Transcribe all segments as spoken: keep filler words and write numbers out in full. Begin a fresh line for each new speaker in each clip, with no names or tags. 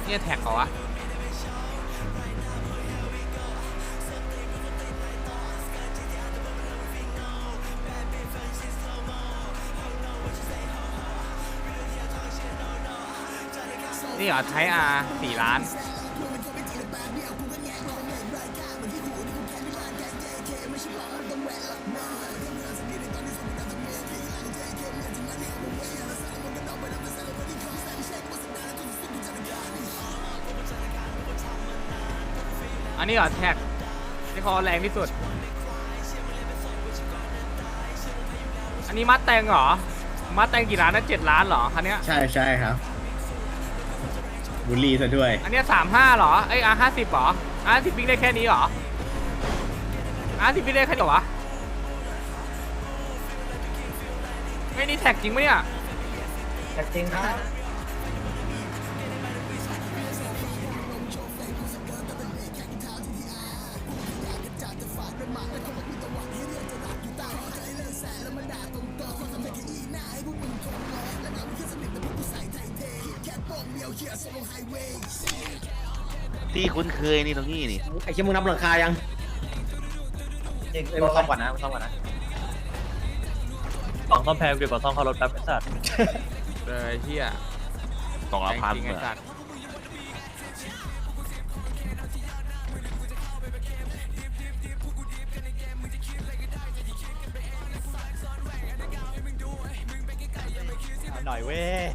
เนี่ยแท็กเหรอวะนี่เหรอไทอาร์สี่ล้านอันนี้เหรอแท็กที่เขาแรงที่สุดอันนี้มัดแตงเหรอมัดแตงกี่ล้านนะเจ็ดล้านเหรอคันเนี้ย
ใช่ใช่ครับบุรีซะด้วย
อันเนี้ยสามห้าเหรอเอ้ยอาห้าสิบเหรออาสิบวิ่งได้แค่นี้เหรออาสิบวิ่งได้แค่นี้เหรอวะไม่นี่แท็กจริงไหมเนี่ย
แท็กจริงครับ
ที่คุ้นเคยนี่ตรงนี้นี่
ไอ้เชี่ยมึงนับหลังคายัง
จริงมาซ่อมก่อนนะมาซ่อมก่อนนะสองซ่อมแพงดีกว่าซ่อมเข้ารถแป๊บไอ้สัตว์
เลยเฮีย
สองละพัน
จริงไอ้สัตว์
หน่อยเว้ย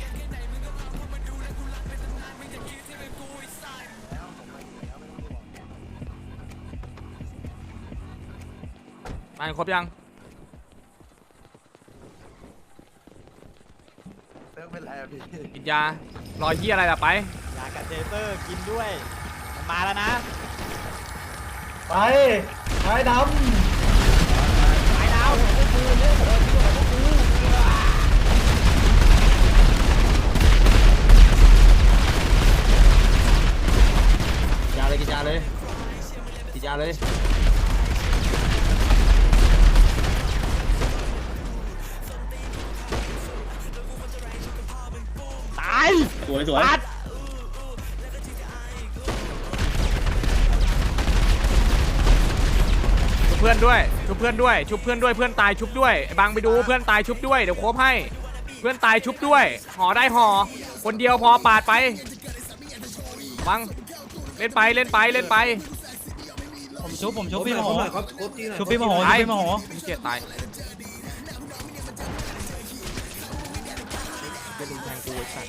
มาครบยัง
เติมเป็นไรอะพี่
กินยารอยเฮียอะไรล่ะไป
ยากับเจเตอร์กินด้วยมาแล้วนะไปไปดำไปดาว
ยาเลยกินยาเลยกินยาเลย
ตาย
สวยสวย
ชุบเพื่อนด้วยชุบเพื่อนด้วยชุบเพื่อนด้วยเพื่อนตายชุบด้วยไอ้บังไปดูเพื่อนตายชุบด้วยเดี๋ยวโคบให้เพื่อนตายชุบด้วยห่อได้ห่อคนเดียวพอปาดไปบังเล่นไปเล่นไปเล่นไป
ผมชุบผมชุบพี่มโหชุบพี่มโหชุบพี่มโห
เกียรตายจะดึงแทงกูไอ้สัตว์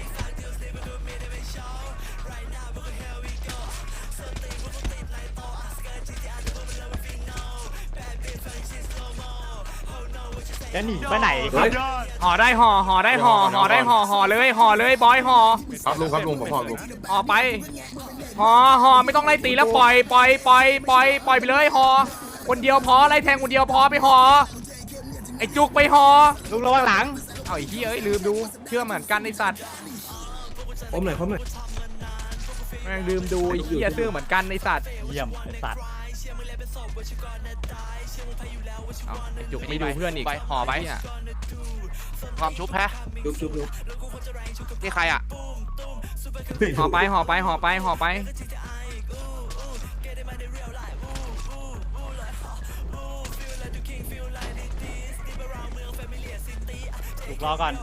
จะหนีไปไหน
ห่อได้ห่อห่อได้ห่อห่อได้ห่อห่อเลยห่อเลยบอยห่อ
ครับลุงครับลุงผมพ่อลุง
ห่อไปห่อห่อไม่ต้องไล่ตีแล้วปล่อยปล่อยปล่อยปล่อยปล่อยไปเลยห่อคนเดียวพอไล่แทงคนเดียวพอไปห่อไอ้จุกไปห่อ
ลุงระวังหลัง
เอาไอ้เหี้ยเอ้ยลืมดูเชื่อเหมือนกันไอ้สัตว์
ผมหน่อยผมหน่อย
แม่งลืมดูไอ้เหี้ยเชื่อเหมือนกันไอ้สัตว์
เยี่ยมไอ้สัตว์
เอาไอ้จุกไม่ดูเพื่อนอีกห่อไปอ่ะ
ความชุบแพ้
ชุบชุบชุบ
นี่ใครอ่ะ
ห่อไปห่อไปห่อไปห่อไป
ถูกรอก่อน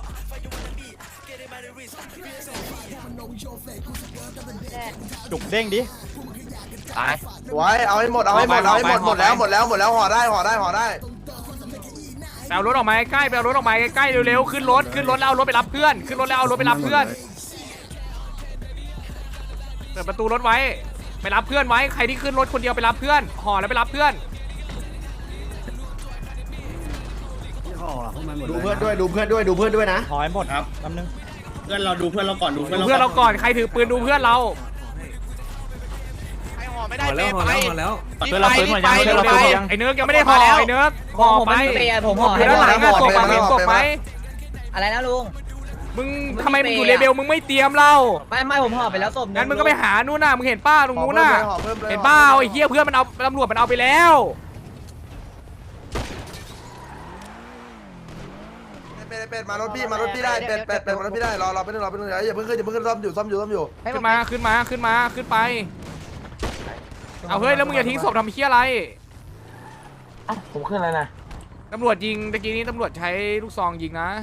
จุกเด้งดิ
ตาย
สวยเอาให้หมดเอาให้หมดเอาให้หมดหมดแล้วหมดแล้วหมดแล้วห่อได้ห่อได้ห่อได้
แปลรถออกมาใกล้แปลรถออกมาใกล้เร็วๆขึ้นรถขึ้นรถแล้วเอารถไปรับเพื่อนขึ้นรถแล้วเอารถไปรับเพื่อนเปิดประตูรถไว้ไปรับเพื่อนไว้ใครที่ขึ้นรถคนเดียวไปรับเพื่อนห่อแล้วไปรับเพื่อน
ดูเพื่อนด้วยดูเพื่อนด้วยดูเพื่อนด้วยนะ
ถอยหมดครับแป๊บนึง
เพื่อนเราดูเพื่อนเราก่อนดูเพื่อน
ดูเพื่อนเราก่อนใครถือปืนดูเพื่อนเรา
ใครห่อไม่ได้เป
ห่อแล้วห่อแล้ว
เพื่อนเราปืนหมดยังเพื่อนเราปืนหมดยัง
ไอ้เนื้อยังไม่ได้ห่อไอ้เนื้อห่อไป
ผมห่อให้
แล้วหลังอ่ะตกมาเห็นตกไหม
อะไรนะลุง
มึงทำไมมึงอยู่เลเวลมึงไม่เตรียมเรา
ไม่ไม่ผมห่อไปแล้วศพ
งั้นมึงก็ไปหานู่นน่ะมึงเห็นป้าตรงนู้นน่ะเห็นป้าไอ้เหี้ยเพื่อนมันเอาตำรวจมันเอาไปแล้ว
เป็ดเป็ดมารถพี่มารถพี่ได้เป็ดเป็ดเป็ดมารถพี่ได้รอรอไปนึงรอไปนึงอย่าเพิ่งขึ้นอย่าเพิ่งขึ้นซ่อมอยู่ซ่อมอยู่ซ่อมอยู่
ขึ้นมาขึ้นมาขึ้นมาขึ้นไปเอาเฮ้ยแล้วมึงอย่าทิ้งศพทำเหี้ยอะไร
ผมขึ้นแล้วนะ
ตำรวจยิงตะกี้นี้ตำรวจใช้ลูกซองยิงนะ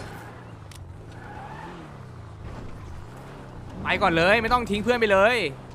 ไปก่อนเลยไม่ต้องทิ้งเพื่อนไปเลย